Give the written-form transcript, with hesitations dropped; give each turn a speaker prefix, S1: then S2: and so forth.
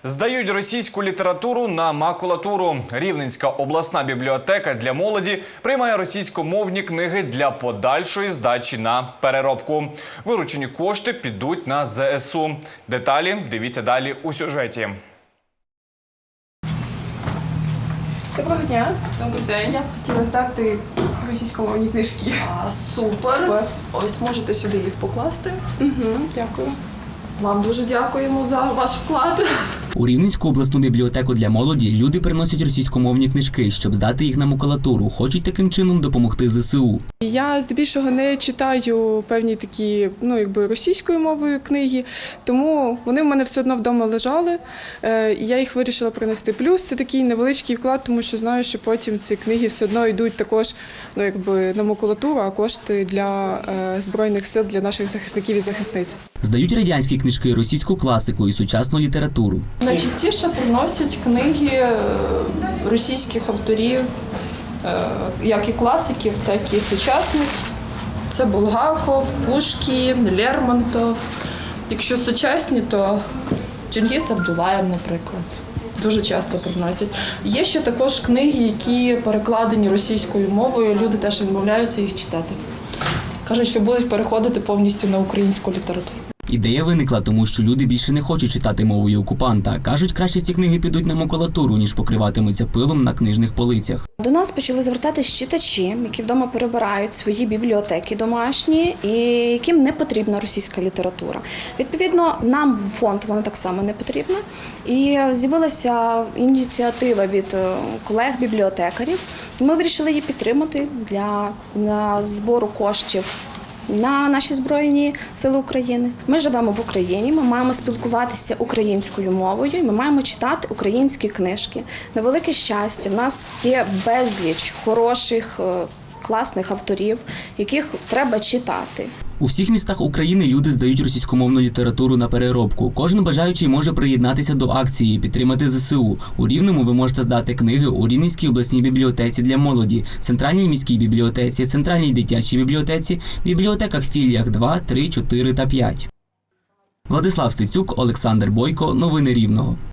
S1: Здають російську літературу на макулатуру. Рівненська обласна бібліотека для молоді приймає російськомовні книги для подальшої здачі на переробку. Виручені кошти підуть на ЗСУ. Деталі дивіться далі у сюжеті.
S2: Доброго дня.
S3: Добрий день.
S2: Я б хотіла здати російськомовні книжки.
S3: Супер.
S2: Клас.
S3: Ось можете сюди їх покласти.
S2: Дякую.
S3: Вам дуже дякуємо за ваш вклад.
S4: У Рівненську обласну бібліотеку для молоді люди приносять російськомовні книжки, щоб здати їх на макулатуру. Хочуть таким чином допомогти ЗСУ.
S2: Я здебільшого не читаю певні такі, російською мовою книги, тому вони в мене все одно вдома лежали, і я їх вирішила принести. Плюс це такий невеличкий вклад, тому що знаю, що потім ці книги все одно йдуть також, на макулатуру, а кошти для Збройних сил, для наших захисників і захисниць.
S4: Здають радянські книжки, російську класику і сучасну літературу.
S3: Найчастіше приносять книги російських авторів, як і класиків, так і сучасних. Це Булгаков, Пушкін, Лермонтов. Якщо сучасні, то Чингіз Абдулаєв, наприклад. Дуже часто приносять. Є ще також книги, які перекладені російською мовою, люди теж відмовляються їх читати. Кажуть, що будуть переходити повністю на українську літературу.
S4: Ідея виникла, тому що люди більше не хочуть читати мовою окупанта. Кажуть, краще ці книги підуть на макулатуру, ніж покриватимуться пилом на книжних полицях.
S5: До нас почали звертатись читачі, які вдома перебирають свої бібліотеки домашні і яким не потрібна російська література. Відповідно, нам в фонд вона так само не потрібна. І з'явилася ініціатива від колег-бібліотекарів. Ми вирішили її підтримати для збору коштів на наші Збройні Сили України. Ми живемо в Україні, ми маємо спілкуватися українською мовою, і ми маємо читати українські книжки. На велике щастя, в нас є безліч хороших, класних авторів, яких треба читати.
S4: У всіх містах України люди здають російськомовну літературу на переробку. Кожен бажаючий може приєднатися до акції, підтримати ЗСУ. У Рівному ви можете здати книги у Рівненській обласній бібліотеці для молоді, Центральній міській бібліотеці, Центральній дитячій бібліотеці, бібліотеках філіях 2, 3, 4 та 5. Владислав Стецюк, Олександр Бойко. Новини Рівного.